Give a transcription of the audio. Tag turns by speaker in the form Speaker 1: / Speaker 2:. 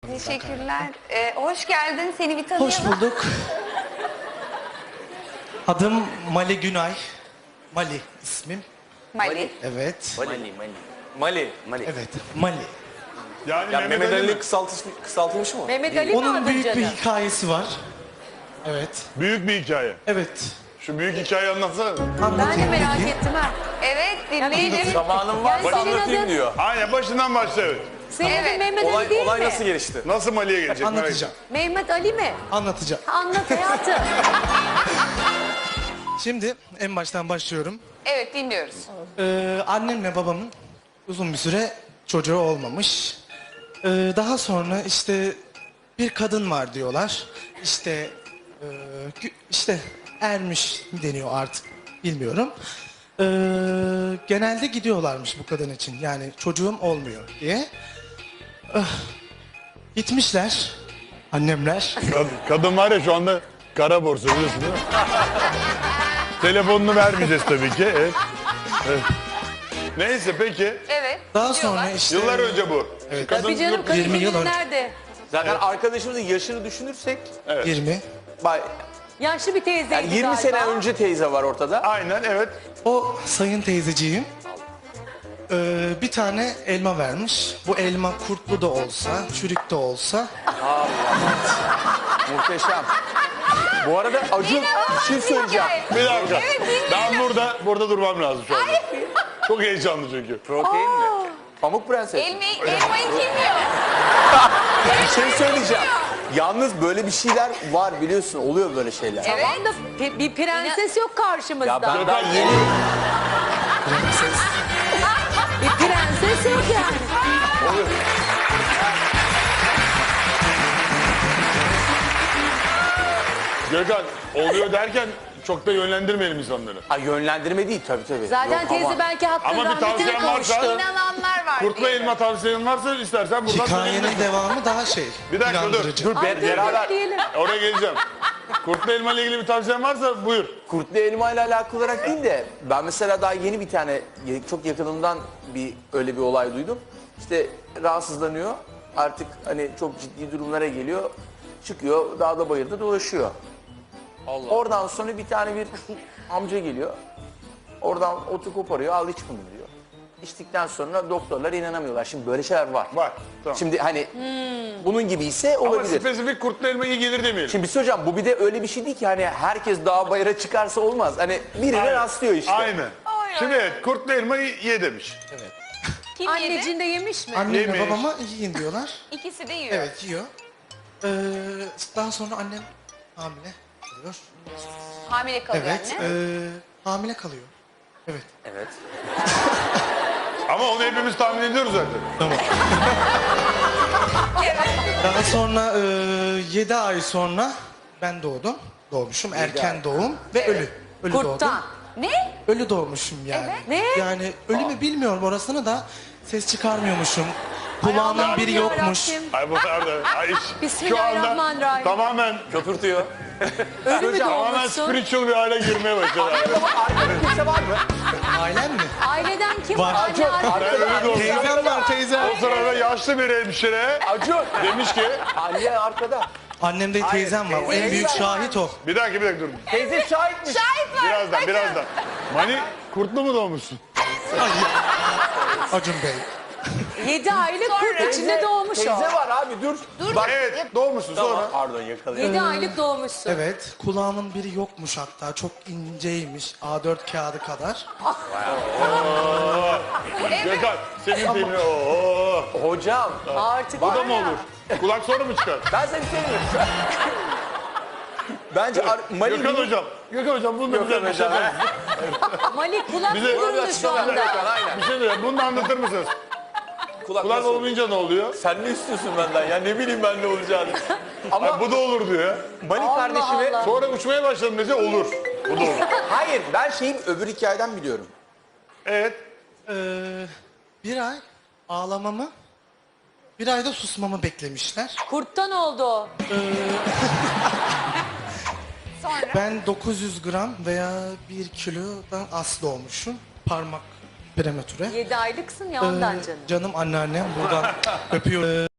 Speaker 1: Teşekkürler. Hoş geldin. Seni bir tanıyalım.
Speaker 2: Hoş bulduk. Adım Mali Günay. Mali ismim.
Speaker 1: Mali.
Speaker 2: Evet.
Speaker 3: Mali.
Speaker 2: Evet. Mali.
Speaker 4: Yani
Speaker 3: Ya
Speaker 4: Mehmet
Speaker 3: Mehmet
Speaker 4: Ali
Speaker 3: Ali kısaltılmış mı?
Speaker 5: Mehmet Ali mi
Speaker 2: Onun
Speaker 5: adın
Speaker 2: büyük bir
Speaker 5: canım?
Speaker 2: hikayesi var. Evet.
Speaker 4: büyük bir hikaye.
Speaker 2: Evet.
Speaker 4: Şu büyük hikayeyi anlatsana.
Speaker 5: Ben de
Speaker 2: Anlatayım
Speaker 5: merak
Speaker 2: peki.
Speaker 5: ettim ha.
Speaker 1: Evet, dinleyelim.
Speaker 3: Zamanım var
Speaker 5: Yani senin
Speaker 3: anlatayım
Speaker 5: adın-
Speaker 3: diyor.
Speaker 4: Aynen başından başla evet.
Speaker 5: Senin
Speaker 1: Evet.
Speaker 5: adın Mehmet Ali değil
Speaker 3: Olay
Speaker 5: mi?
Speaker 3: nasıl gelişti?
Speaker 4: Nasıl Mali'ye gelecek? merak
Speaker 2: Anlatacağım.
Speaker 5: Mehmet Ali mi?
Speaker 2: Anlatacağım.
Speaker 5: Anlat hayatım.
Speaker 2: Şimdi en baştan başlıyorum.
Speaker 1: Evet, dinliyoruz.
Speaker 2: Annemle babamın uzun bir süre çocuğu olmamış. Daha sonra işte bir kadın var diyorlar. İşte işte ermiş mi deniyor artık bilmiyorum. Genelde gidiyorlarmış bu kadın için. Yani çocuğum olmuyor diye. Gitmişler annemler.
Speaker 4: Kadın var ya şu anda kara borsa biliyorsun değil mi? Telefonunu vermeyeceğiz tabii ki. Evet. Evet. Neyse peki.
Speaker 1: Evet.
Speaker 2: Daha
Speaker 1: gidiyorlar.
Speaker 2: sonra işte
Speaker 4: Yıllar önce bu.
Speaker 2: Evet.
Speaker 4: Kadın
Speaker 5: Tabii canım
Speaker 4: yurt-
Speaker 2: 20 yıl
Speaker 5: kadın
Speaker 2: önce.
Speaker 5: nerede?
Speaker 3: Zaten arkadaşımızın yaşını düşünürsek
Speaker 2: 20.
Speaker 5: Yaşlı bir teyzeydi
Speaker 3: yani 20
Speaker 5: galiba.
Speaker 3: sene önce teyze var ortada.
Speaker 4: Aynen evet.
Speaker 2: O sayın teyzeciğim bir tane elma vermiş. Bu elma kurtlu da olsa, çürük de olsa
Speaker 3: Muhteşem. Bu arada Acun bir şey söyleyeceğim.
Speaker 4: Bir dakika.
Speaker 1: Evet, dinleyelim.
Speaker 4: Ben burada durmam lazım şu anda. Çok heyecanlı çünkü.
Speaker 3: Protein mi? Pamuk prenses.
Speaker 1: Elmayı kim yiyor?
Speaker 3: Bir şey söyleyeceğim. Yalnız böyle bir şeyler var biliyorsun. Oluyor böyle şeyler.
Speaker 1: Evet.
Speaker 5: Tamam da bir prenses yok karşımızda.
Speaker 3: Ya ben daha yeni...
Speaker 5: Bir prenses yok yani.
Speaker 4: Gökhan oluyor derken çok da yönlendirmeyelim insanları.
Speaker 3: Ha, yönlendirme değil tabii.
Speaker 5: Zaten
Speaker 3: Yok,
Speaker 5: teyze
Speaker 3: ama-
Speaker 5: belki hakkın
Speaker 4: Ama bir
Speaker 5: rahmetine
Speaker 4: tavsiyen varsa-
Speaker 5: kavuştu.
Speaker 1: İnananlar var.
Speaker 4: Kurtla
Speaker 1: diye.
Speaker 4: elma tavsiyen varsa istersen buradan
Speaker 2: hikayenin devamı daha şey.
Speaker 4: Bir dakika, dur.
Speaker 2: inandırıcı.
Speaker 4: Dur.
Speaker 5: Ay, dur,
Speaker 3: beraber-
Speaker 5: diyelim.
Speaker 4: Oraya geleceğim. Kurtla elma ile ilgili bir tavsiyen varsa buyur.
Speaker 3: Kurtlu elma ile alakalı olarak değil de ben mesela daha yeni bir tane çok yakınımdan öyle bir olay duydum. İşte rahatsızlanıyor. Artık hani çok ciddi durumlara geliyor. Çıkıyor dağda bayırda dolaşıyor. Oradan sonra bir tane bir amca geliyor. Oradan otu koparıyor, al iç bunu diyor. İçtikten sonra doktorlar inanamıyorlar. Şimdi böyle şeyler var.
Speaker 4: Var. Tamam.
Speaker 3: Şimdi hani bunun gibi ise
Speaker 4: Ama
Speaker 3: olabilir.
Speaker 4: spesifik kurtla elma iyi gelir demeyelim.
Speaker 3: Şimdi bir şey hocam bu bir de öyle bir şey değil ki hani herkes dağ bayıra çıkarsa olmaz. Hani birine
Speaker 4: Aynen.
Speaker 3: rastlıyor işte.
Speaker 4: Aynen.
Speaker 1: Ay,
Speaker 4: Şimdi
Speaker 1: ay.
Speaker 4: evet kurtla elmayı ye demiş.
Speaker 1: Kim yedi?
Speaker 5: Anneciğin de yemiş mi?
Speaker 2: Annemle
Speaker 4: Yemiş.
Speaker 2: babama yiyin diyorlar.
Speaker 1: İkisi de yiyor.
Speaker 2: Evet yiyor. Daha sonra annem hamile kalıyor.
Speaker 1: Hamile kalıyor
Speaker 2: Evet.
Speaker 1: anne.
Speaker 2: Hamile kalıyor. Evet.
Speaker 3: Evet.
Speaker 4: Ama onu hepimiz tahmin ediyoruz zaten.
Speaker 2: Daha sonra 7 ay sonra ben doğdum. Doğmuşum. Erken
Speaker 3: ay.
Speaker 2: doğum ve ölü. Ölü doğdum.
Speaker 5: Kurttan.
Speaker 1: Ne?
Speaker 2: Ölü doğmuşum yani.
Speaker 5: Ne?
Speaker 2: Yani ölü mü bilmiyorum orasını da ses çıkarmıyormuşum. Kulağımın
Speaker 5: Allah'ım
Speaker 2: biri yokmuş.
Speaker 5: yarabbim.
Speaker 4: Ay bu arada ay, şu anda
Speaker 5: Bismillahirrahmanirrahim.
Speaker 4: tamamen
Speaker 3: Köpürtüyor.
Speaker 5: Ölü mü
Speaker 4: tamamen
Speaker 5: doğmuşsun?
Speaker 4: spiritual bir hale girmeye başladı.
Speaker 3: Arkada kimse var mı?
Speaker 2: Ailem mi?
Speaker 5: Aileden kim
Speaker 2: Var.
Speaker 5: var? Anne,
Speaker 4: Ben
Speaker 5: arkada.
Speaker 4: ölü doğdum.
Speaker 2: Teyzem var teyzem.
Speaker 4: O sırada yaşlı bir hemşire
Speaker 3: Acun.
Speaker 4: demiş ki
Speaker 3: Anne arkada.
Speaker 2: Annem de teyzem var. O en büyük şahit o.
Speaker 4: bir dakika dur.
Speaker 3: Teyze şahitmiş.
Speaker 1: Şahit var.
Speaker 4: Birazdan. Mani kurtlu mu doğmuşsun?
Speaker 2: Acun Bey.
Speaker 5: 7 aylık kurt içinde doğmuş o.
Speaker 3: Teyze var abi dur. Bak.
Speaker 4: Evet doğmuşsun
Speaker 3: Tamam.
Speaker 4: sonra.
Speaker 3: Pardon yakalayayım.
Speaker 5: 7 aylık doğmuşsun.
Speaker 2: Evet. Kulağımın biri yokmuş hatta. Çok inceymiş. A4 kağıdı kadar.
Speaker 4: Gökhan senin filmi ooo.
Speaker 3: Hocam.
Speaker 5: Artık
Speaker 4: Bu
Speaker 5: var
Speaker 4: da mı
Speaker 5: ya.
Speaker 4: olur? Kulak sonra mı çıkar?
Speaker 3: Ben seni sevmiyorum. Bence
Speaker 4: Gökhan hocam. Gökhan hocam bunu da bize bir şey
Speaker 3: hocam.
Speaker 5: Malik kulak
Speaker 4: Bize-
Speaker 5: durumda şu anda.
Speaker 3: Aynen.
Speaker 4: Bir şey diyeyim. Bunu da anlatır mısınız?
Speaker 3: Kulak
Speaker 4: Kulak
Speaker 3: nasıl?
Speaker 4: olmayınca ne oluyor?
Speaker 3: Sen ne istiyorsun benden ya? Ne bileyim ben ne olacağını. Ama
Speaker 4: Ay, bu da olur diyor ya.
Speaker 3: Mani kardeşimi...
Speaker 5: Allah.
Speaker 4: Sonra uçmaya başladım dese olur. Bu da olur.
Speaker 3: Hayır ben şeyin öbür hikayeden biliyorum.
Speaker 4: Evet.
Speaker 2: Bir ay ağlamamı, bir ayda susmamı beklemişler.
Speaker 5: Kurttan oldu o.
Speaker 1: Sonra
Speaker 2: Ben 900 gram veya 1 kilodan az doğmuşum. Parmak prematüre.
Speaker 5: 7 aylıksın ya ondan canım.
Speaker 2: Canım anneannem buradan öpüyorum.